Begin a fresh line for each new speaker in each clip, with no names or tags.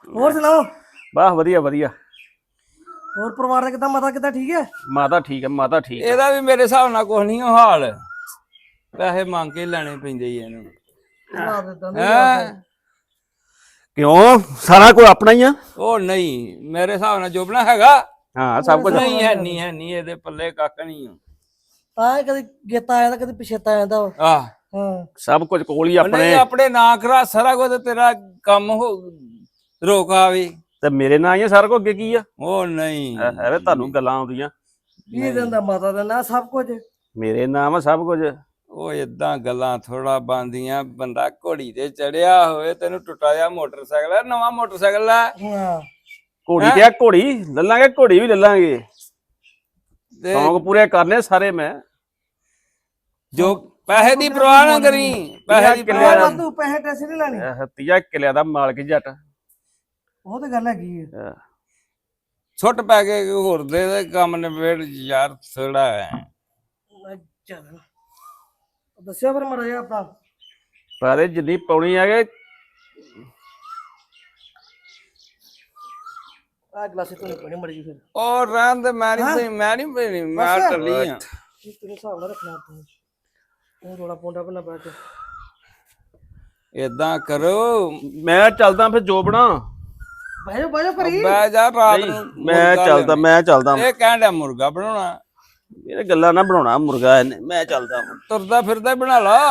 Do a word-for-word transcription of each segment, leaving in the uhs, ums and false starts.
ਹੋਰ ਸੁਣਾਓ।
ਵਾਹ ਵਧੀਆ ਵਧੀਆ।
ਹੋਰ ਪਰਿਵਾਰ ਦਾ ਕਿੱਦਾਂ, ਮਾਤਾ ਕਿੱਦਾਂ, ਠੀਕ ਹੈ?
ਮਾਤਾ ਠੀਕ ਹੈ, ਮਾਤਾ ਠੀਕ ਹੈ।
ਇਹਦਾ ਵੀ ਮੇਰੇ ਹਿਸਾਬ ਨਾਲ ਕੁਛ ਨਹੀਂ ਹਾਲ, ਪੈਸੇ ਮੰਗ ਕੇ ਲੈਣੇ ਪੈਂਦੇ ਹੀ ਇਹਨੂੰ। ਹੈਂ?
ਕਿਉਂ, ਸਾਰਾ ਕੋਈ ਆਪਣਾ ਹੀ ਆ।
ਉਹ ਨਹੀਂ, ਮੇਰੇ ਹਿਸਾਬ ਨਾਲ ਜੋਬਣਾ ਹੈਗਾ।
ਹਾਂ ਸਭ ਕੁਝ
ਨਹੀਂ ਹੈ, ਨਹੀਂ ਹੈ, ਨਹੀਂ ਇਹਦੇ ਪੱਲੇ ਕੱਖ ਨਹੀਂ
ਤਾਂ ਕਦੇ ਗੇਤਾ ਆਇਆ ਤਾਂ ਕਦੇ ਪਿਛੇਤਾ ਆ ਜਾਂਦਾ।
ਆਹ
ਹਾਂ
ਸਭ ਕੁਝ ਕੋਲ ਹੀ ਆਪਣੇ।
ਨਹੀਂ ਆਪਣੇ ਨਾਂ ਕਰਾ ਸਾਰਾ ਕੁਝ, ਤੇਰਾ ਕੰਮ ਹੋ ਰੋਕ ਆਵੇ
ਤੇ ਮੇਰੇ ਨਾਲ ਹੀ ਆ ਸਾਰਾ ਕੁਝ। ਅੱਗੇ ਕੀ ਆ?
ਉਹ ਨਹੀਂ
ਐਵੇਂ ਤੁਹਾਨੂੰ ਗੱਲਾਂ ਆਉਂਦੀਆਂ।
ਕੀ ਦਿੰਦਾ ਮਾਤਾ ਦਾ ਨਾਂ ਸਭ ਕੁਝ।
ਮੇਰੇ ਨਾਮ ਆ ਸਭ ਕੁਝ।
ਉਹ ਏਦਾਂ ਗੱਲਾਂ ਥੋੜਾ ਬੰਦੀਆਂ। ਬੰਦਾ ਘੋੜੀ ਤੇ ਚੜਿਆ ਹੋਵੇ, ਤੈਨੂੰ ਟੁੱਟਾ ਜਿਹਾ ਮੋਟਰਸਾਈਕਲ ਹੈ, ਨਵਾਂ ਮੋਟਰਸਾਈਕਲ ਹੈ।
ਹਾਂ
ਘੋੜੀ ਤੇ ਆ, ਘੋੜੀ ਲੈ ਲਾਂਗੇ, ਘੋੜੀ ਵੀ ਲੈ ਲਾਂਗੇ। ਸ਼ੌਂਕ ਪੂਰੇ ਕਰਨੇ ਸਾਰੇ। ਮੈਂ
ਜੋ ਪੈਸੇ ਦੀ ਪਰਵਾਹ ਨਾ ਕਰੀ, ਪੈਸੇ ਦੀ ਪਰਵਾਹ ਨਾ।
ਤੂੰ ਪੈਸੇ ਟੈਸੇ ਨਹੀਂ ਲੈਣੇ।
ਤੀਆ ਕਿਲਿਆਂ ਦਾ ਮਾਲਕ ਜੱਟ।
ਉਹ ਤੇ ਗੱਲ ਹੈਗੀ ਹੈ।
ਛੁੱਟ ਪੈ ਕੇ ਹੋਰ ਦੇ ਦੇ ਕੰਮ ਨਿਬੇੜ ਯਾਰ, ਥੋੜਾ ਹੈ।
ਚੱਲ ਦੱਸਿਆ ਫਿਰ ਮਰਾ ਜਾ ਆਪਣਾ।
ਪਰ ਜਿੰਨੀ ਪਾਉਣੀ ਆ ਗਏ।
ਆ ਗਲਾਸੇ ਤੋਂ ਨਹੀਂ ਮੜੀ ਫਿਰ।
ਉਹ ਰਹਿਣ ਦੇ, ਮੈਂ ਨਹੀਂ ਮੈਂ ਨਹੀਂ ਪੀਣੀ, ਮੈਂ ਟੱਲੀ ਆ।
ਤੇਰੇ ਹਿਸਾਬ ਨਾਲ ਰੱਖਣਾ ਤੂੰ। ਤੂੰ ਥੋੜਾ ਪੌਂਡਾ ਬਣਾ ਬੈ ਕੇ।
ਏਦਾਂ ਕਰੋ,
ਮੈਂ ਚੱਲਦਾ ਫਿਰ ਜੋਬਣਾ।
ਬਹਿ ਜਾ ਬਹਿ ਜਾ ਭਰੀ।
ਬਹਿ ਜਾ ਰਾਤ ਨੂੰ।
ਮੈਂ ਚੱਲਦਾ ਮੈਂ ਚੱਲਦਾ
ਇਹ ਕਹਿਣ ਡਿਆ ਮੁਰਗਾ ਬਣਾਉਣਾ।
ਇਹ ਗੱਲਾਂ ਨਾ ਬਣਾਉਣਾ ਮੁਰਗਾ ਇਹਨੇ। ਮੈਂ ਚੱਲਦਾ
ਤੁਰਦਾ ਫਿਰਦਾ ਹੀ ਬਣਾ ਲਾ।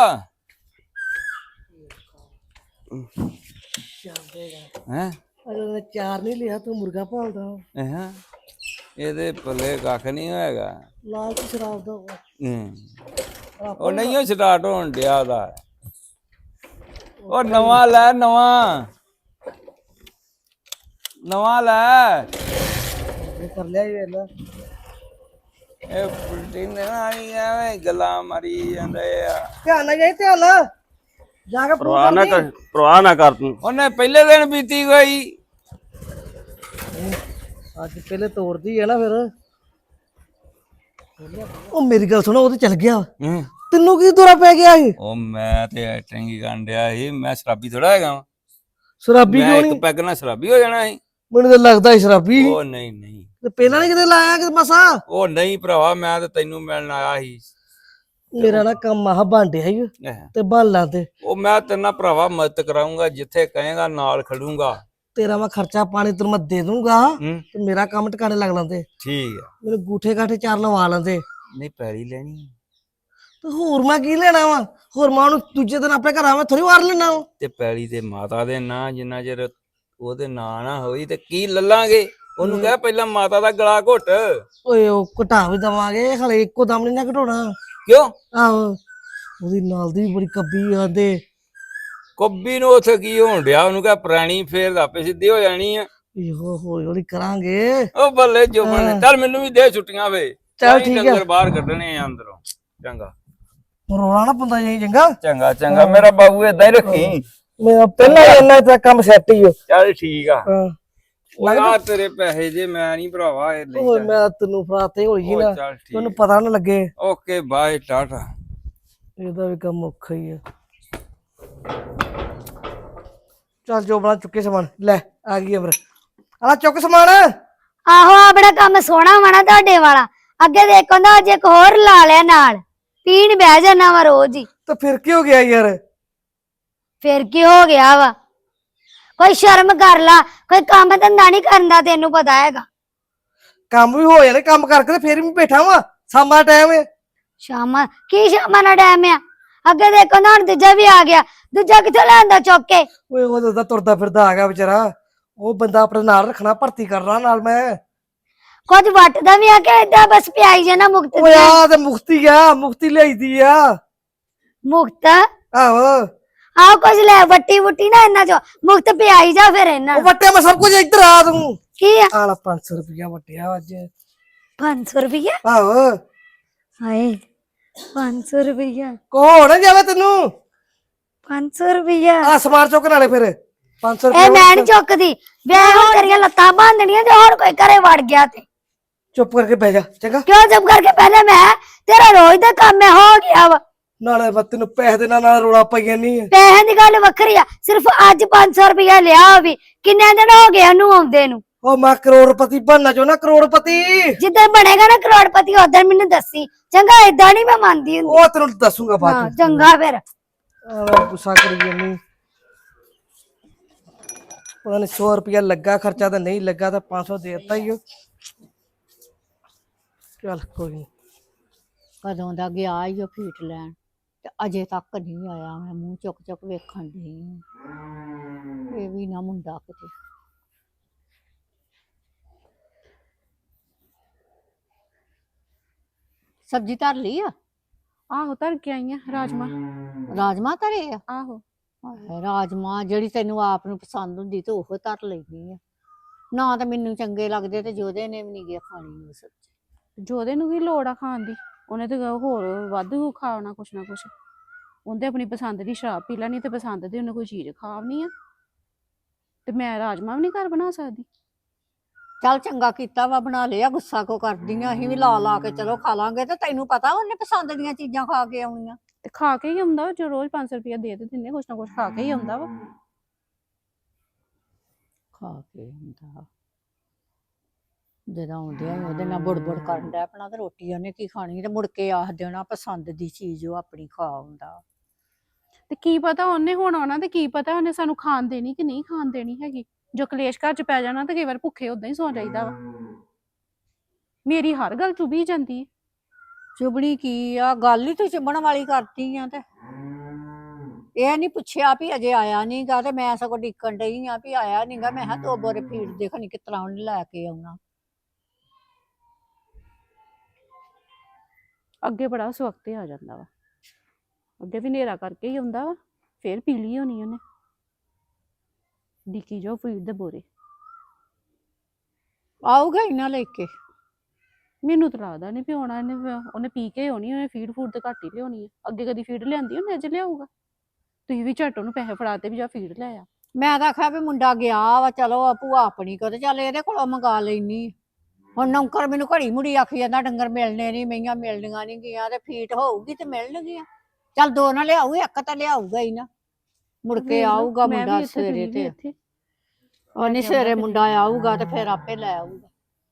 ਹੈ
ਅਜੇ ਚਾਰ ਨਹੀਂ ਲਿਆ, ਤੂੰ ਮੁਰਗਾ ਭਾਲਦਾ।
ਹਾਂ ਇਹਦੇ ਪੱਲੇ ਕੱਖ ਨਹੀਂ ਹੋਏਗਾ।
ਲਾਲ ਤੇ ਸ਼ਰਾਬ ਦਾ
ਹੂੰ ਉਹ ਨਹੀਂ ਉਹ ਸਟਾਰਟ ਹੋਣ ਡਿਆ ਦਾ। ਉਹ ਨਵਾਂ ਲੈ, ਨਵਾਂ ਨਵਾਂ ਲੈ।
ਕਰ ਲਿਆ ਇਹ ਵੇਲਾ।
ਇਹ ਪੁਲਟੀ ਨੇ ਆਈ ਐਵੇਂ ਗੱਲਾਂ ਮਾਰੀ ਜਾਂਦੇ ਆ।
ਧਿਆਨ ਨਾਲ ਜਾਈ, ਧਿਆਨ ਨਾਲ ਜਾ ਕੇ
ਪਰਵਾਹ ਨਾ ਕਰ, ਪਰਵਾਹ ਨਾ ਕਰ ਤੂੰ।
ਉਹਨੇ ਪਹਿਲੇ ਦਿਨ ਬੀਤੀ ਗਈ।
ਅੱਜ ਪਹਿਲੇ ਤੋੜਦੀ ਹੈ ਨਾ ਫਿਰ। ਉਹ ਮੇਰੀ ਗੱਲ ਸੁਣੋ, ਉਹ ਤੇ ਚੱਲ ਗਿਆ। ਤੈਨੂੰ ਕੀ ਦੌਰਾ ਪੈ ਗਿਆ ਸੀ?
ਉਹ ਮੈਂ ਤੇ ਐਕਟਿੰਗ ਹੀ ਕਰਨ ਡਿਆ ਸੀ। ਮੈਂ ਸ਼ਰਾਬੀ ਥੋੜਾ ਹੈਗਾ ਵਾ।
ਸ਼ਰਾਬੀ
ਮੈਂ
ਕਿਉਂ
ਇੱਕ
ਨਹੀਂ?
ਪੈਗ ਨਾਲ ਸ਼ਰਾਬੀ ਹੋ ਜਾਣਾ ਸੀ।
ਮੈਨੂੰ ਤਾਂ ਲੱਗਦਾ ਸੀ ਸ਼ਰਾਬੀ।
ਉਹ ਨਹੀਂ ਨਹੀਂ,
ਤੇ ਪਹਿਲਾਂ ਨਹੀਂ ਕਿਤੇ ਲਾਇਆ ਕਿਤੇ ਮਸਾ?
ਉਹ ਨਹੀਂ ਭਰਾਵਾ, ਮੈਂ ਤੇ ਤੈਨੂੰ ਮਿਲਣ ਆਇਆ ਸੀ।
ਮੇਰਾ ਨਾ ਕੰਮ ਆਹ ਬਾਂਡਿਆ ਹੀ ਤੇ ਬਾਲਾਂ ਤੇ।
ਉਹ ਮੈਂ ਤੇਰੇ ਨਾਲ ਭਰਾਵਾ ਮਦਦ ਕਰਾਉਂਗਾ, ਜਿੱਥੇ ਕਹੇਗਾ ਨਾਲ ਖੜੂੰਗਾ।
ਤੇਰਾ ਮੈਂ ਖਰਚਾ ਪਾਣੀ ਤੈਨੂੰ ਮੈਂ ਦੇ ਦੂੰਗਾ
ਹੂੰ
ਤੇ ਮੇਰਾ ਕੰਮ ਟਿਕਾਣੇ ਲੱਗ ਲੈਂਦੇ।
ਠੀਕ ਆ।
ਮੈਨੂੰ ਗੂਠੇ ਗਾਠੇ ਚਾਰ ਲਵਾ ਲੈਂਦੇ।
ਨਹੀਂ ਪੈੜੀ ਲੈਣੀ
ਤੇ ਹੋਰ ਮੈਂ ਕੀ ਲੈਣਾ ਵਾ? ਹੋਰ ਮੈਂ ਉਹਨੂੰ ਦੂਜੇ ਦਿਨ ਆਪਣੇ ਘਰ ਆਵਾਂ ਥੋੜੀ ਵਾਰ ਲੈਣਾ ਵਾ।
ਤੇ ਪੈੜੀ ਤੇ ਮਾਤਾ ਦੇ ਨਾਂ, ਜਿੰਨਾ ਚਿਰ ਉਹਦੇ ਨਾਂ ਨਾ ਹੋਈ ਤੇ ਕੀ ਲੱਲਾਂਗੇ। ਉਹਨੂੰ ਕਹਿ ਪਹਿਲਾਂ ਮਾਤਾ ਦਾ ਗਲਾ ਘੁੱਟ।
ਓਏ ਉਹ ਘਟਾ ਵੀ ਦਵਾਂਗੇ, ਹਲੇ ਇੱਕੋ ਦਮ ਨਹੀਂ ਨਾ ਘਟਾਉਣਾ।
ਕਿਉਂ?
ਆਹੋ ਉਹਦੀ ਨਾਲ ਦੀ ਵੀ ਬੜੀ ਕੱਬੀ ਆਂਦੇ।
ਕੋਬੀ ਨੂੰ ਉੱਥੇ ਕੀ ਹੋਣ ਡਿਆ? ਉਹਨੂੰ ਕਹਿ ਪੁਰਾਣੀ ਫੇਰ ਆਪੇ ਸਿੱਧੀ ਹੋ ਜਾਣੀ ਆ।
ਇਹੋ ਹੌਲੀ ਹੌਲੀ ਕਰਾਂਗੇ।
ਉਹ ਬੱਲੇ ਜੋਬਨ, ਚੱਲ ਮੈਨੂੰ ਵੀ ਦੇ ਛੁੱਟੀਆਂ ਵੇ।
ਚੱਲ ਠੀਕ ਆ।
ਡੰਗਰ ਬਾਹਰ ਕੱਢਣੇ ਆ ਅੰਦਰੋਂ। ਚੰਗਾ
ਰੋਣਾ ਨਾ ਪੰਦਾ ਜਾਈ। ਚੰਗਾ
ਚੰਗਾ ਚੰਗਾ, ਮੇਰਾ ਬਾਬੂ ਏਦਾਂ ਹੀ ਰੱਖੀ।
ਮੇਰਾ ਪਹਿਲਾਂ ਹੀ ਇੰਨਾ ਤਾਂ ਕੰਮ ਸੈੱਟ ਹੀ ਹੋ।
ਚੱਲ ਠੀਕ ਆ।
ਹਾਂ
ਲੱਗਦਾ ਤੇਰੇ ਪੈਸੇ ਜੇ ਮੈਂ ਨਹੀਂ ਭਰਾਵਾ ਇਹ ਲਈ।
ਓਏ ਮੈਂ ਤੈਨੂੰ ਫਰਾਤੇ ਹੋਈ ਸੀ ਨਾ,
ਚੱਲ ਠੀਕ।
ਤੈਨੂੰ ਪਤਾ ਨਾ ਲੱਗੇ।
Okay bye tata.
ਇਹਦਾ ਵੀ ਕੰਮ ਔਖਾ ਹੀ ਆ। ਚੱਲ ਜੋ ਬਣਾ ਚੁੱਕੇ ਸਮਾਨ ਲੈ ਆ ਗਈ ਅਮਰ। ਆਲਾ ਚੁੱਕ ਸਮਾਨ।
ਆਹੋ ਆ ਬੜਾ ਕੰਮ ਸੋਹਣਾ ਵਾਣਾ ਤੁਹਾਡੇ ਵਾਲਾ। ਅੱਗੇ ਦੇਖੋ ਨਾ ਅੱਜ ਇੱਕ ਹੋਰ ਲਾ ਲਿਆ ਨਾਲ। ਪੀਣ ਬਹਿ ਜਾਣਾ ਵਾ ਰੋਜ਼ ਹੀ।
ਤਾਂ ਫਿਰ ਕੀ ਹੋ ਗਿਆ ਯਾਰ?
ਫਿਰ ਕੀ ਹੋ ਗਿਆ ਵਾ? ਕੋਈ ਸ਼ਰਮ ਕਰ ਲਾ, ਕੋਈ ਕੰਮ ਧੰਦਾ ਨਹੀਂ ਕਰਦਾ, ਤੈਨੂੰ ਪਤਾ ਹੈਗਾ।
ਕੰਮ ਵੀ ਹੋ ਜਾਣੇ, ਕੰਮ ਕਰਕੇ ਤੇ ਫੇਰ ਵੀ ਬੈਠਾ ਵਾ। ਸ਼ਾਮਾਂ ਟਾਈਮ ਹੈ।
ਸ਼ਾਮਾਂ ਕੀ ਸ਼ਾਮਾਂ ਦਾ ਟਾਈਮ ਆ? ਅੱਗੇ ਦੇਖੋ ਨਾ ਹੁਣ ਦੂਜਾ ਵੀ ਆ ਗਿਆ। ਦੂਜਾ ਕਿੱਥੋਂ ਲਿਆਂਦਾ ਚੁੱਕ ਕੇ?
ਓਏ ਉਹ ਤਾਂ ਤੁਰਦਾ ਫਿਰਦਾ ਆ ਗਿਆ ਵਿਚਾਰਾ। ਉਹ ਬੰਦਾ ਆਪਣੇ ਨਾਲ ਰੱਖਣਾ, ਭਰਤੀ ਕਰਨਾ ਨਾਲ ਮੈਂ।
ਕੁਝ ਵੱਟਦਾ ਵੀ ਆ ਕਿ ਏਦਾਂ ਬਸ ਪਿਆਈ ਜਾਣਾ ਮੁਕਤ
ਓਏ ਆ ਤੇ ਮੁਕਤੀ ਆ, ਮੁਕਤੀ ਲਿਆਈਦੀ ਆ।
ਮੁਕਤ?
ਆਹੋ
ਆਹ ਕੁਝ ਲੈ ਵੱਟੀ ਵੁੱਟੀ ਨਾ ਇਹਨਾਂ ਚੋਂ ਮੁਕਤ ਪਿਆਈ ਜਾ ਫਿਰ ਇਹਨਾਂ
ਉਹ ਵਟਿਆ ਮੈਂ ਸਭ ਕੁਝ ਇੱਧਰ ਆ ਤੂੰ।
ਕੀ ਆ?
ਆਲਾ ਪੰਜ ਸੌ ਰੁਪਇਆ ਵਟਿਆ ਅੱਜ।
ਪੰਜ ਸੌ ਰੁਪਈਆ?
ਆਹੋ
ਹਾਏ ਪੰਜ ਸੌ ਰੁਪਈਆ?
ਕੋਹ ਨਾ ਜਾਵੇ ਤੈਨੂੰ।
ਪੰਜ ਸੌ ਰੁਪਈਆ?
ਆ ਸਮਾਨ ਚੁੱਕ ਨਾਲੇ ਫਿਰ ਪੰਜ ਸੌ
ਇਹ
ਰੁਪਇਆ।
ਮੈਂ ਨੀ ਚੁੱਕਦੀ। ਵੇ ਹੁਣ ਤੇਰੀਆਂ ਲੱਤਾਂ ਬਾਂਧਣੀਆਂ ਤੇ ਹੋਰ ਕੋਈ ਘਰੇ ਵੜ ਗਿਆ ਤੇ।
ਚੁੱਪ ਕਰਕੇ ਬਹਿ ਜਾ ਚੰਗਾ।
ਕਿਉਂ ਚੁੱਪ ਕਰਕੇ? ਪਹਿਲੇ ਮੈਂ ਤੇਰਾ ਰੋਜ਼ ਦਾ ਕੰਮ ਹੈ ਹੋ ਗਿਆ ਵਾ।
ਨਾਲੇ ਮੈਂ ਤੈਨੂੰ ਪੈਸੇ ਦੇ ਨਾਲ ਨਾਲ ਰੋਲਾ ਪਾਈ ਜਾਨੀ ਆ।
ਪੈਸਿਆਂ ਦੀ ਗੱਲ ਵੱਖਰੀ ਆ, ਸਿਰਫ ਅੱਜ ਪੰਜ ਸੌ ਰੁਪਇਆ ਲਿਆ ਵੀ ਕਿੰਨੇ ਦਿਨ ਹੋ ਗਏ ਉਹਨੂੰ ਆਉਂਦੇ ਨੂੰ।
ਉਹ ਮੈਂ ਕਰੋੜਪਤੀ ਬਣਨਾ ਚਾਹੁੰਦਾ, ਕਰੋੜਪਤੀ।
ਜਿੱਦਾਂ ਬਣੇਗਾ ਨਾ ਕਰੋੜਪਤੀ ਉਦੋਂ ਮੈਨੂੰ ਦੱਸੀ ਚੰਗਾ। ਏਦਾਂ ਨਹੀਂ ਮੈਂ ਮੰਨਦੀ ਹੁੰਦੀ।
ਉਹ ਤੈਨੂੰ ਦੱਸੂਗਾ ਬਾਅਦ
ਹਾਂ
ਚ।
ਚੰਗਾ ਫਿਰ।
ਆਹ ਗੁੱਸਾ ਕਰੀ ਜਾਨੀ। ਪਤਾ ਨੀ ਸੌ ਰੁਪਇਆ ਲੱਗਾ ਖਰਚਾ ਤਾਂ ਨਹੀਂ ਲੱਗਾ, ਤਾਂ ਪੰਜ ਸੌ ਦੇ ਦਿੱਤਾ ਹੀ ਉਹ। ਚੱਲ ਕੋਈ ਨੀ।
ਕਦੋਂ ਦਾ ਗਿਆ ਈ ਉਹ ਫੀਟ ਲੈਣ ਤੇ ਅਜੇ ਤੱਕ ਨਹੀਂ ਆਇਆ। ਮੈਂ ਮੂੰਹ ਚੁੱਕ ਚੁੱਕ ਵੇਖਣ ਦੀ ਇਹ ਵੀ ਨਾ ਮੁੰਡਾ ਕਿਤੇ। ਸਬਜ਼ੀ ਧਰ ਲਈ ਆ?
ਆਹੋ ਧਰ ਕੇ ਆਈ ਆ ਰਾਜਮਾ।
ਰਾਜਮਾ ਧਰੇ ਆ?
ਆਹੋ
ਹਾਏ, ਰਾਜਮਾ ਜਿਹੜੀ ਤੈਨੂੰ ਆਪ ਨੂੰ ਪਸੰਦ ਹੁੰਦੀ ਤੇ ਉਹ ਧਰ ਲੈਂਦੀ ਆ। ਨਾ ਤਾਂ ਮੈਨੂੰ ਚੰਗੇ ਲੱਗਦੇ ਤੇ ਜੋਦੇ ਨੇ ਵੀ ਨਹੀਂ ਗਿਆ ਖਾਣੀ ਉਹ ਸਬਜ਼ੀ।
ਜੋਦੇ ਨੂੰ ਕੀ ਲੋੜ ਆ ਖਾਣ ਦੀ? ਉਹਨੇ ਤੇ ਹੋਰ ਵਾਧੂ ਖਾਣਾ ਕੁਛ ਨਾ ਕੁਛ। ਉਹਦੇ ਆਪਣੀ ਪਸੰਦ ਦੀ ਸ਼ਰਾਬ ਪੀ ਲੈਣੀ ਤੇ ਪਸੰਦ ਦੀ ਉਹਨੇ ਕੋਈ ਚੀਜ਼ ਖਾਵਣੀ ਆ। ਤੇ ਮੈਂ ਰਾਜਮਾ ਵੀ ਨਹੀਂ ਘਰ ਬਣਾ ਸਕਦੀ?
ਚੱਲ ਚੰਗਾ ਕੀਤਾ ਵਾ ਬਣਾ ਲਿਆ। ਗੁੱਸਾ ਕੋ ਕਰਦੀ ਆ? ਅਸੀਂ ਵੀ ਲਾ ਲਾ ਕੇ ਚਲੋ ਖਾ ਲਾਂਗੇ। ਤੇ ਤੈਨੂੰ ਪਤਾ ਉਹਨੇ ਪਸੰਦ ਦੀਆਂ ਚੀਜ਼ਾਂ ਖਾ ਕੇ ਆਉਣੀਆਂ।
ਤੇ ਖਾ ਕੇ ਹੀ ਆਉਂਦਾ ਜੋ ਰੋਜ਼ ਪੰਜ ਸੌ ਰੁਪਇਆ ਦੇ ਦੇ ਦਿੰਦੇ, ਕੁਛ ਨਾ ਕੁਛ ਖਾ ਕੇ ਹੀ ਆਉਂਦਾ ਵਾ।
ਖਾ ਕੇ ਹੁੰਦਾ ਜਦੋਂ ਆਉਂਦੇ ਆ ਉਹਦੇ ਨਾਲ ਬੁੜਬੁੜ ਕਰਨ ਡੈ ਪੈਣਾ ਤੇ ਰੋਟੀ ਉਹਨੇ ਕੀ ਖਾਣੀ ਤੇ ਮੁੜ ਕੇ ਆਖ ਦੇਣਾ ਪਸੰਦ ਦੀ ਚੀਜ਼ ਉਹ ਆਪਣੀ ਖਾ ਆਉਂਦਾ।
ਤੇ ਕੀ ਪਤਾ ਉਹਨੇ ਹੁਣ ਆਉਣਾ ਤੇ ਕੀ ਪਤਾ ਉਹਨੇ ਸਾਨੂੰ ਖਾਣ ਦੇਣੀ ਕਿ ਨਹੀਂ ਖਾਣ ਦੇਣੀ ਹੈਗੀ। ਜੋ ਕਲੇਸ਼ ਘਰ ਚ ਪੈ ਜਾਣਾ ਤੇ ਕਈ ਵਾਰ ਭੁੱਖੇ ਉਦਾਂ ਹੀ ਸੌ ਜਾਈਦਾ ਵਾ। ਮੇਰੀ ਹਰ ਗੱਲ ਚੁਭੀ ਜਾਂਦੀ ਹੈ।
ਚੁਬਣੀ ਕੀ ਆ? ਗੱਲ ਹੀ ਤੂੰ ਚੁਬਣ ਵਾਲੀ ਕਰਤੀ ਆ। ਤੇ ਇਹ ਨਹੀਂ ਪੁੱਛਿਆ ਵੀ ਅਜੇ ਆਇਆ ਨੀ ਗਾ ਤੇ ਮੈਂ ਸਗੋਂ ਡਿੱਕਣ ਡਈ ਆ ਵੀ ਆਇਆ ਨੀ ਗਾ। ਮੈਂ ਕਿਹਾ ਦੋ ਬੋਰੇ ਫੀਡ ਦੇਖਣੀ ਕਿਸ ਤਰ੍ਹਾਂ ਉਹਨੇ ਲੈ ਕੇ ਆਉਣਾ।
ਅੱਗੇ ਬੜਾ ਸਵਖਤੇ ਆ ਜਾਂਦਾ ਵਾ। ਅੱਗੇ ਵੀ ਹਨੇਰਾ ਕਰਕੇ ਹੀ ਆਉਂਦਾ ਵਾ। ਫੇਰ ਪੀ ਲਈ ਹੋਣੀ ਉਹਨੇ। ਡਿੱਕੀ ਜੋ ਫੀਡ ਦੇ ਬੋਰੇ।
ਆਊਗਾ ਇਹਨਾਂ ਲੈ ਕੇ।
ਮੈਨੂੰ ਤਾਂ ਲੱਗਦਾ ਨਹੀਂ ਵੀ ਆਉਣਾ ਇਹਨੇ। ਉਹਨੇ ਪੀ ਕੇ ਆਉਣੀ, ਉਹਨੇ ਫੀਡ ਫੂਡ ਤੇ ਘੱਟ ਹੀ ਲਿਆਉਣੀ ਹੈ। ਅੱਗੇ ਕਦੀ ਫੀਡ ਲਿਆਂਦੀ ਉਹਨੇ, ਅੱਜ ਲਿਆਊਗਾ। ਤੁਸੀਂ ਵੀ ਝੱਟ ਉਹਨੂੰ ਪੈਸੇ ਫੜਾਤੇ ਵੀ ਜਾ ਫੀਡ ਲੈ ਆ।
ਮੈਂ ਤਾਂ ਆਖਿਆ ਵੀ ਮੁੰਡਾ ਗਿਆ ਵਾ ਚਲੋ ਭੂਆ ਆਪਣੀ ਕੋ ਤੇ ਚੱਲ ਇਹਦੇ ਕੋਲੋਂ ਮੰਗਾ ਲੈਣੀ। ਹੁਣ ਨੌਕਰ ਮੈਨੂੰ ਘੜੀ ਮੁੜੀ ਆਖੀ ਜਾਂਦਾ ਡੰਗਰ ਮਿਲਣੇ ਨਹੀਂ, ਮਈਆਂ ਮਿਲਣੀਆਂ ਨਹੀਂ ਗੀਆਂ ਤੇ ਫੀਟ ਹੋਊਗੀ ਤੇ ਮਿਲਣਗੀਆਂ। ਚੱਲ ਦੋ ਨਾ ਲਿਆਊ, ਇੱਕ ਤਾਂ ਲਿਆਊਗਾ ਹੀ ਨਾ। ਮੁੜ ਕੇ ਆਊਗਾ ਮੁੰਡਾ ਸਵੇਰੇ ਤੇ ਉਹਨੇ ਸਵੇਰੇ ਮੁੰਡਾ ਆਊਗਾ ਤੇ ਫਿਰ ਆਪੇ ਲੈ ਆਊਗਾ।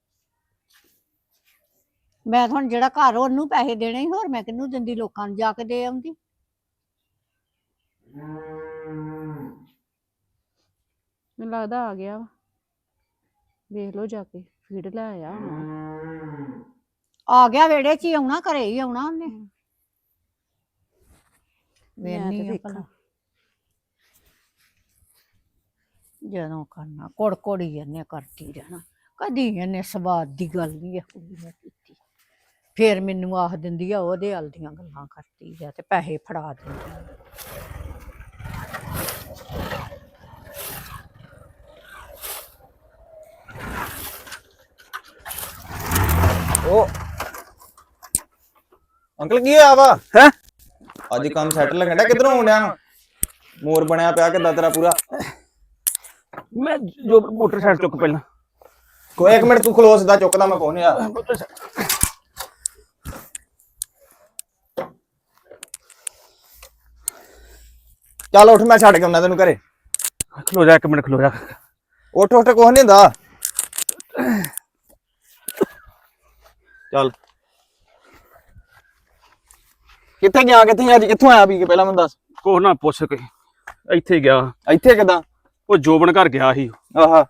ਮੈਂ ਤਾਂ ਹੁਣ ਜਿਹੜਾ ਘਰ ਉਹਨੂੰ ਪੈਸੇ ਦੇਣੇ ਸੀ, ਹੋਰ ਮੈਂ ਕਿਹਨੂੰ ਦਿੰਦੀ? ਲੋਕਾਂ ਨੂੰ ਜਾ ਕੇ ਦੇ ਆਉਂਦੀ।
ਮੈਨੂੰ ਲੱਗਦਾ ਆ ਗਿਆ ਵਾ। ਵੇਖ ਲਓ ਜਾ ਕੇ ਫੀਡ ਲੈ ਆਇਆ ਹੁਣ।
ਆ ਗਿਆ ਵਿਹੜੇ 'ਚ ਹੀ ਆਉਣਾ, ਘਰੇ ਹੀ ਆਉਣਾ ਉਹਨੇ।
ਮੈਂ ਤੇ
ਵੇਖਣੀ ਆ
ਵੇਖਾਂ।
ਭਲਾ ਜਦੋਂ ਕਰਨਾ ਕੋੜ ਕੋੜੀ ਇਹਨੇ ਕਰਦੀ ਰਹਿਣਾ। ਕਦੀ ਇਹਨੇ ਸਵਾਦ ਦੀ ਗੱਲ ਨਹੀਂ ਇਹ ਕੁੜੀ ਨੇ ਕੀਤੀ। ਫਿਰ ਮੈਨੂੰ ਆਖ ਦਿੰਦੀ ਆ ਉਹਦੇ ਹਲ ਦੀਆਂ ਗੱਲਾਂ ਕਰਦੀ ਆ ਤੇ ਪੈਸੇ ਫੜਾ ਦਿੰਦੀ ਆ।
ਉਹ ਅੰਕਲ ਕੀ ਹੋਇਆ ਵਾ
ਹੈ?
ਅੱਜ ਕੰਮ ਸੈੱਟ ਲੱਗਣ ਡਿਆ। ਕਿੱਧਰੋਂ ਆਉਂਦਿਆ? ਮੋਰ ਬਣਿਆ ਪਿਆ ਕਿੱਦਾਂ ਤੇਰਾ ਪੂਰਾ?
ਮੈਂ ਜੋ ਮੋਟਰਸਾਈਕਲ ਚੁੱਕ ਪਹਿਲਾਂ।
ਕੋਈ ਇੱਕ ਮਿੰਟ ਤੂੰ ਖਲੋ, ਸਿੱਧਾ ਚੁੱਕਦਾ ਮੈਂ ਕੋਹ ਯਾਰ। ਚੱਲ ਉੱਠ, ਮੈਂ ਛੱਡ ਕੇ ਆਉਣਾ ਤੈਨੂੰ ਘਰੇ।
ਖਲੋ ਜਾ ਇੱਕ ਮਿੰਟ, ਖਲੋ ਜਾ।
ਉੱਠ ਉੱਠ, ਕੁਛ ਨਹੀਂ ਹੁੰਦਾ। ਚੱਲ ਕਿੱਥੇ ਗਿਆ? ਕਿੱਥੇ ਅੱਜ ਕਿੱਥੋਂ ਆਇਆ? ਵੀ ਕੇ ਪਹਿਲਾਂ ਮੈਨੂੰ ਦੱਸ।
ਕੋਹ ਨਾ ਪੁੱਛ ਕੇ ਇੱਥੇ ਗਿਆ।
ਇੱਥੇ ਕਿੱਦਾਂ?
ਉਹ ਜੋਬਨ ਘਰ ਗਿਆ ਸੀ।
ਆਹਾ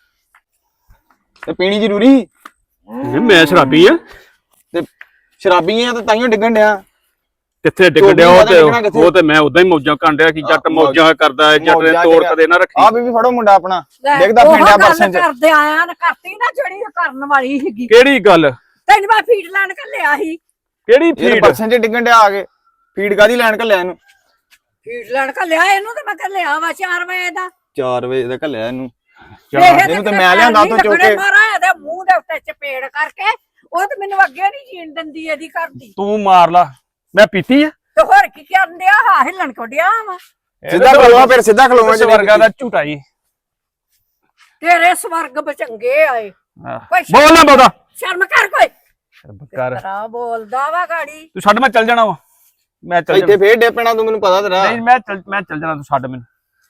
ਤੇ ਪੀਣੀ ਜ਼ਰੂਰੀ?
ਇਹ ਮੈਂ ਸ਼ਰਾਬੀ ਆ
ਤੇ ਸ਼ਰਾਬੀ ਆ ਤੇ ਤਾਈਓ ਡਿੱਗਣ ਡਿਆ।
ਕਿੱਥੇ ਡਿੱਗ ਡਿਆ? ਉਹ ਤੇ ਉਹ ਤੇ ਮੈਂ ਉਦਾਂ ਹੀ ਮੌਜਾਂ ਕਰਨ ਡਿਆ ਕਿ ਜੱਟ ਮੌਜਾਂ ਕਰਦਾ ਹੈ। ਜੱਟ ਨੇ ਤੋੜ ਕਦੇ ਨਾ ਰੱਖੀ।
ਆ ਬੀਬੀ ਫੜੋ ਮੁੰਡਾ ਆਪਣਾ ਡਿੱਗਦਾ ਫਿੰਡਿਆ ਬਰਸਾਂ ਚ।
ਕਰਦੇ ਆਇਆ ਨਾ ਕਰਤੀ ਨਾ ਜਿਹੜੀ ਕਰਨ ਵਾਲੀ ਸੀਗੀ।
ਕਿਹੜੀ ਗੱਲ?
ਤੈਨੂੰ ਮੈਂ ਫੀਡ ਲੈਣ ਘੱਲਿਆ ਸੀ।
ਕਿਹੜੀ
ਇਹ
ਫੀਡ?
ਬਰਸਾਂ ਚ ਡਿੱਗਣ ਡਿਆ ਆ ਕੇ। ਫੀਡ ਕਾਦੀ ਲੈਣ ਘੱਲਿਆ ਇਹਨੂੰ?
ਫੀਡ ਲੈਣ ਘੱਲਿਆ ਇਹਨੂੰ ਤੇ ਮੈਂ ਘੱਲਿਆ ਵਾ ਚਾਰ ਵਜੇ ਦਾ।
ਚਾਰ ਵਜੇ ਦਾ ਘੱਲਿਆ ਇਹਨੂੰ।
ਇਹਨੂੰ
ਤੇ ਮੈਂ ਲਿਆਂਦਾ ਉੱਥੋਂ ਚੁੱਕ ਕੇ।
ਮਾਰਾ ਇਹਦੇ ਮੂੰਹ ਦੇ ਉੱਤੇ ਚਪੇੜ ਕਰਕੇ। ਉਹ ਤੇ ਮੈਨੂੰ ਅੱਗੇ ਨਹੀਂ ਜੀਣ ਦਿੰਦੀ ਇਹਦੀ ਘਰ ਦੀ।
ਤੂੰ ਮਾਰ ਲਾ। ਮੈਂ ਪੀਤੀ ਆ
ਤੇ ਹੋਰ ਕੀ ਕਰਨ ਡਿਆ? ਹਾਂ ਹਿੱਲਣ ਕੋ ਡਿਆ ਵਾ।
ਸਿੱਧਾ ਖਲੋਵਾ, ਫਿਰ ਸਿੱਧਾ ਖਲੋਵਾ।
ਵਰਗਾ ਦਾ ਝੂਟਾ ਜੀ।
ਤੇਰੇ ਸਵਰਗ ਬਚੰਗੇ ਆਏ। ਕੋਈ
ਬੋਲ ਨਾ ਬੋਦਾ।
ਸ਼ਰਮ ਕਰ ਕੋਈ।
ਕਰ
ਤੇਰਾ ਬੋਲਦਾ ਵਾ ਗਾੜੀ।
ਤੂੰ ਛੱਡ, ਮੈਂ ਚੱਲ ਜਾਣਾ ਵਾ। ਮੈਂ ਚੱਲ
ਇੱਥੇ
ਜਾਣਾ
ਫੇਰ ਡੇਪਣਾ ਤੂੰ ਮੈਨੂੰ ਪਤਾ ਤੇਰਾ
ਨਹੀਂ ਮੈਂ ਚੱਲ ਮੈਂ ਚੱਲ ਜਾਣਾ ਤੂੰ ਛੱਡ ਮੈਨੂੰ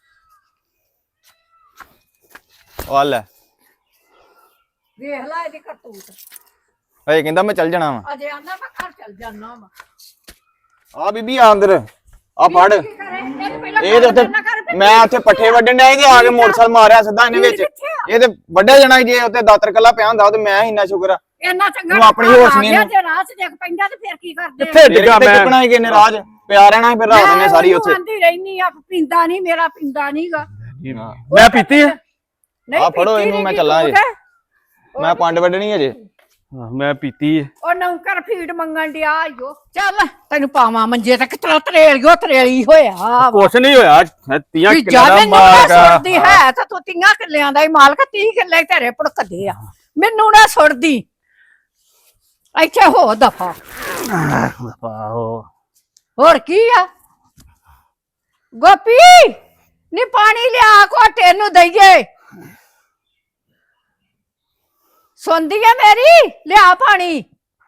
ਆ ਲੈ
ਵੇਖ ਲੈ ਇਹਦੀ ਕਰਤੂਤ
ਹਏ ਕਹਿੰਦਾ ਮੈਂ ਚੱਲ ਜਾਣਾ ਵਾ
ਅਜੇ ਆਂਦਾ ਮੈਂ ਘਰ ਚੱਲ ਜਾਣਾ ਵਾ
ਆ ਬੀਬੀ ਆ ਅੰਦਰ ਆ ਫੜ
ਕੀ ਕਰੇ ਇਹਨੂੰ ਪਹਿਲਾਂ
ਇਹ ਤੇ ਉੱਥੇ
ਨਾ ਕਰ ਵੀ
ਮੈਂ ਉੱਥੇ ਪੱਠੇ ਵੱਢਣ ਡਿਆ ਤੇ ਆ ਕੇ ਮੋਟਰਸਾਈਕਲ ਮਾਰਿਆ ਸਿੱਧਾ ਇਹਨੇ ਵਿੱਚ ਇਹ ਤੇ ਵੱਢਿਆ ਜਾਣਾ ਸੀ ਜੇ ਉੱਤੇ ਦਾਤਰ ਕੱਲਾ ਪਿਆ ਹੁੰਦਾ ਤੇ ਮੈਂ ਇੰਨਾ ਸ਼ੁਕਰ ਆ
ਇੰਨਾ ਚੰਗਾ
ਤੂੰ ਆਪਣੀ ਹੋਸ਼ ਨਹੀਂ ਇਹਨੂੰ।
ਜੇ ਰਾਹ 'ਚ ਦੇਖ ਪੈਂਦਾ ਤੇ ਫਿਰ ਕੀ ਕਰਦੇ
ਕਿੱਥੇ ਡਿੱਗਾ
ਕਿੱਥੇ
ਮੈਂ
ਚੁੱਕਣਾ ਸੀ ਕਿਨੇ ਰਾਜ ਪਿਆ ਰਹਿਣਾ ਸੀ ਫਿਰ ਰਾਤ ਨੇ ਸਾਰੀ ਉੱਥੇ
ਆਂਦੀ ਰਹਿਨੀ ਆ ਪੀਂਦਾ ਨਹੀਂ ਮੇਰਾ ਪੀਂਦਾ ਨਹੀਂਗਾ
ਮੈਂ ਪੀਤੀ ਆ
ਆ ਫੜੋ ਇਹਨੂੰ ਮੈਂ ਚੱਲਾਂ ਜੇ ਮੈਂ ਪੰਡ ਵੱਢਣੀ ਅਜੇ
ਹਾਂ, ਮੈਂ ਪੀਤੀ ਆ
ਉਹ ਨੌਕਰ ਫੀਡ ਮੰਗਣ ਡਿਆ ਈਓ ਚੱਲ ਤੈਨੂੰ ਪਾਵਾਂ ਮੰਜੇ ਤੇ ਕਿਤਰਾ ਤਰੇਲਿਓ ਤਰੇਲੀ ਹੋਇਆ
ਕੁਛ ਨਹੀਂ ਹੋਇਆ ਤੀਆਂ
ਵੀ
ਕਿੱਲਾ ਦਾ
ਜਦ
ਮਾਲਕ
ਨਾ
ਆ।
ਸੁੱਟਦੀ ਹੈ ਤਾਂ ਤੂੰ ਤੀਆਂ ਕਿੱਲਿਆਂ ਦਾ ਹੀ ਮਾਲਕ ਤੀਹ ਕਿੱਲੇ ਤੇਰੇ ਭੜਕਦੇ ਆ ਮੈਨੂੰ ਨਾ ਸੁੱਟਦੀ ਇੱਥੇ ਹੋ ਦਫਾ
ਆਹੋ
ਹੋਰ ਕੀ ਆ ਗੋਪੀ ਨੀ ਪਾਣੀ ਲਿਆ ਘੋਟੇ ਨੂੰ ਦਈਏ ਸੁਣਦੀ ਆ ਮੇਰੀ ਲਿਆ ਪਾਣੀ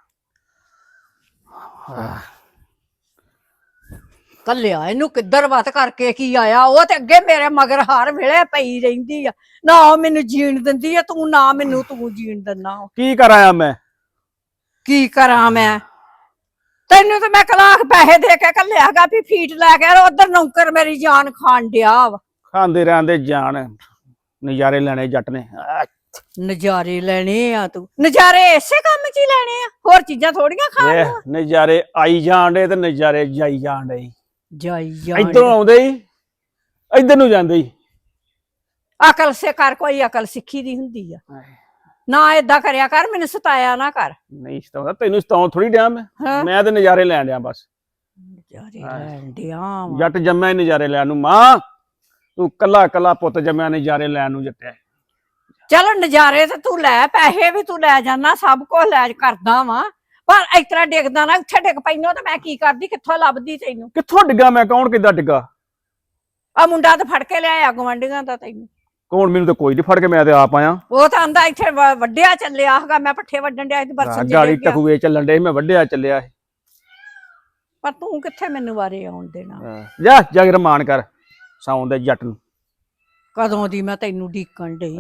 ਕੱਲਿਆ ਇਹਨੂੰ ਕਿੱਧਰ ਵਤ ਕਰਕੇ ਕੀ ਆਇਆ ਉਹ ਤੇ ਅੱਗੇ ਮੇਰੇ ਮਗਰ ਹਰ ਵੇਲੇ ਪਈ ਰਹਿੰਦੀ ਆ ਨਾ ਉਹ ਮੈਨੂੰ ਜੀਣ ਦਿੰਦੀ ਆ ਤੂੰ ਨਾ ਮੈਨੂੰ ਤੂੰ ਜੀਣ ਦਿੰਦਾ
ਕੀ ਕਰਾਇਆ ਮੈਂ
ਕੀ ਕਰਾਂ ਮੈਂ ਤੈਨੂੰ ਤਾਂ ਮੈਂ ਕਲਾਕ ਪੈਸੇ ਦੇ ਕੇ ਕੱਲਿਆਗਾ ਵੀ ਫੀਟ ਲੈ ਕੇ ਉਧਰ ਨੌਕਰ ਮੇਰੀ ਜਾਨ ਖਾਣ ਡਿਆ ਵਾ
ਖਾਂਦੇ ਰਹਿੰਦੇ ਜਾਨ ਨਜ਼ਾਰੇ ਲੈਣੇ ਜੱਟ ਨੇ ਆਹ,
ਨਜ਼ਾਰੇ ਲੈਣੇ ਆ ਤੂੰ ਨਜ਼ਾਰੇ ਇਸੇ ਕੰਮ 'ਚ ਹੀ ਲੈਣੇ ਆ ਹੋਰ ਚੀਜ਼ਾਂ ਥੋੜੀਆਂ ਖਾਣ
ਇਹ
ਨੂੰ
ਨਜ਼ਾਰੇ ਆਈ ਜਾਣ ਡੇ ਤੇ ਨਜ਼ਾਰੇ ਜਾਈ ਜਾਣ ਡੇ
ਜਾਈ ਜਾਣ
ਇਧਰੋਂ ਆਉਂਦੇ ਹੀ ਇਧਰ ਨੂੰ ਜਾਂਦੇ ਹੀ
ਅਕਲ ਸੇ ਕਰ ਕੋਈ ਅਕਲ ਸਿੱਖੀ ਦੀ ਹੁੰਦੀ ਆ ਨਾ ਏਦਾਂ ਕਰਿਆ ਕਰ ਮੈਨੂੰ ਸਤਾਇਆ ਨਾ ਕਰ
ਨਹੀਂ ਸਤਾਉਂਦਾ ਤੈਨੂੰ ਸਤਾਉਂ ਥੋੜੀ ਡਿਆ ਮੈਂ
ਹਾਂ
ਮੈਂ ਤੇ ਨਜ਼ਾਰੇ ਲੈਣ ਡਿਆ ਬਸ
ਨਜ਼ਾਰੇ ਲੈਣ ਡਿਆ ਵਾਂ।
ਜੱਟ ਜੰਮਿਆ ਹੀ ਨਜ਼ਾਰੇ ਲੈਣ ਨੂੰ ਮਾਂ ਤੂੰ ਕੱਲਾ ਕੱਲਾ ਪੁੱਤ ਜੰਮਿਆ ਨਜ਼ਾਰੇ ਲੈਣ ਨੂੰ ਜੱਟਿਆ
ਚਲੋ ਨਜ਼ਾਰੇ ਤੇ ਤੂੰ ਲੈ ਪੈਸੇ ਵੀ ਤੂੰ ਲੈ ਜਾਣਾ ਸਭ ਕੁਝ ਲੈ ਕਰਦਾ ਵਾ ਪਰ ਇਸ ਤਰ੍ਹਾਂ ਡਿੱਗਦਾ ਨਾ ਉੱਥੇ ਡਿੱਗ ਪੈਨੋ ਤੇ ਮੈਂ ਕੀ ਕਰਦੀ ਕਿੱਥੋਂ ਲੱਭਦੀ ਤੈਨੂੰ
ਕਿੱਥੋਂ ਡਿੱਗਾ ਮੈਂ ਕੌਣ ਕਿੱਦਾਂ ਡਿੱਗਾ
ਆ ਮੁੰਡਾ ਤਾਂ ਫੜ ਕੇ ਲਿਆਇਆ ਗਵੰਡੀਆਂ ਦਾ ਤੈਨੂੰ
ਕੌਣ ਮੈਨੂੰ ਤਾਂ ਕੋਈ ਨਹੀਂ ਫੜ ਕੇ ਮੈਂ ਤੇ ਆਪ ਆਇਆ
ਉਹ ਤਾਂ ਆਂਦਾ ਇੱਥੇ ਵ- ਵੱਢਿਆ ਚੱਲਿਆ ਹੈਗਾ ਮੈਂ ਪੱਠੇ ਵੱਢਣ ਡਿਆ ਸੀ ਤੇ ਬਰਸਨ
ਗਾੜੀ ਟਕੂਏ ਚੱਲਣ ਡੇ ਮੈਂ ਵੱਢਿਆ ਚੱਲਿਆ ਸੀ।
ਪਰ ਤੂੰ ਕਿੱਥੇ ਮੈਨੂੰ ਵਾਰੇ ਆਉਣ ਦੇਣਾ
ਜਾ ਜਾ ਕੇ ਰਮਾਨ ਕਰ ਸੌਂ ਦੇ ਜੱਟ ਨੂੰ
ਕਦੋਂ ਦੀ ਮੈਂ ਤੈਨੂੰ ਢੀਕਣ ਡਈ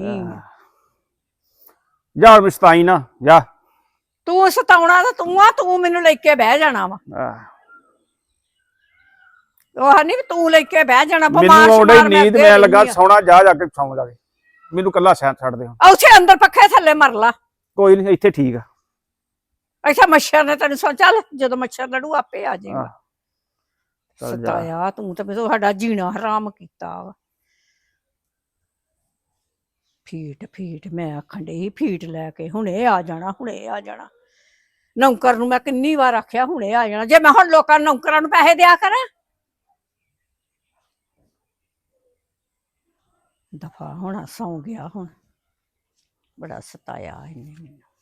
ਜਾ ਮਸਤਾਈ ਨਾ ਜਾ
ਤੂੰ ਸਤਾਉਣਾ ਤਾਂ ਤੂੰ ਆ ਤੂੰ ਮੈਨੂੰ ਲੈ ਕੇ ਬਹਿ ਜਾਣਾ ਵਾ
ਆਹ,
ਉਹ ਨਹੀਂ ਤੂੰ ਲੈ ਕੇ ਬਹਿ ਜਾਣਾ ਬਿਮਾਰ
ਮੈਨੂੰ ਆਉਂਦੀ
ਸ਼ਮਾਰ
ਨੀਂਦ
ਅੱਗੇ
ਮੈਂ ਲੱਗਾ
ਰਹਿੰਦੀ ਆ।
ਸੌਣਾ ਜਾ ਜਾ ਕੇ ਸੌਂ ਜਾ ਕੇ ਮੈਨੂੰ ਕੱਲਾ ਸੈਂ ਛੱਡ ਦੇ ਹੁਣ।
ਆ ਉੱਥੇ ਅੰਦਰ ਪੱਖੇ ਥੱਲੇ ਮਰ ਲਾ
ਕੋਈ ਨਹੀਂ ਇੱਥੇ ਠੀਕ ਆ
ਅੱਛਾ ਮੱਛਰ ਨੇ ਤੈਨੂੰ ਸੋ ਚੱਲ ਜਦੋਂ ਮੱਛਰ ਲੜੂ ਆਪੇ ਆ ਜਾਏਗਾ
ਆਹ, ਚੱਲ ਜਾ।
ਸਤਾਇਆ ਤੂੰ ਤਾਂ ਮੈਨੂੰ ਸਾਡਾ ਜੀਣਾ ਹਰਾਮ ਕੀਤਾ ਵਾ ਫੀਟ ਫੀਟ ਮੈਂ ਆਖਣ ਡਈ ਫੀਟ ਲੈ ਕੇ ਹੁਣੇ ਆ ਜਾਣਾ ਹੁਣੇ ਆ ਜਾਣਾ ਨੌਕਰ ਨੂੰ ਮੈਂ ਕਿੰਨੀ ਵਾਰ ਆਖਿਆ ਹੁਣੇ ਆ ਜਾਣਾ ਜੇ ਮੈਂ ਹੁਣ ਲੋਕਾਂ ਨੂੰ ਨੌਕਰਾਂ ਨੂੰ ਪੈਸੇ ਦਿਆ ਕਰਾਂ ਦਫਾ ਹੋਣਾ ਸੌਂ ਗਿਆ ਹੁਣ ਬੜਾ ਸਤਾਇਆ ਇਹਨੇ ਮੈਨੂੰ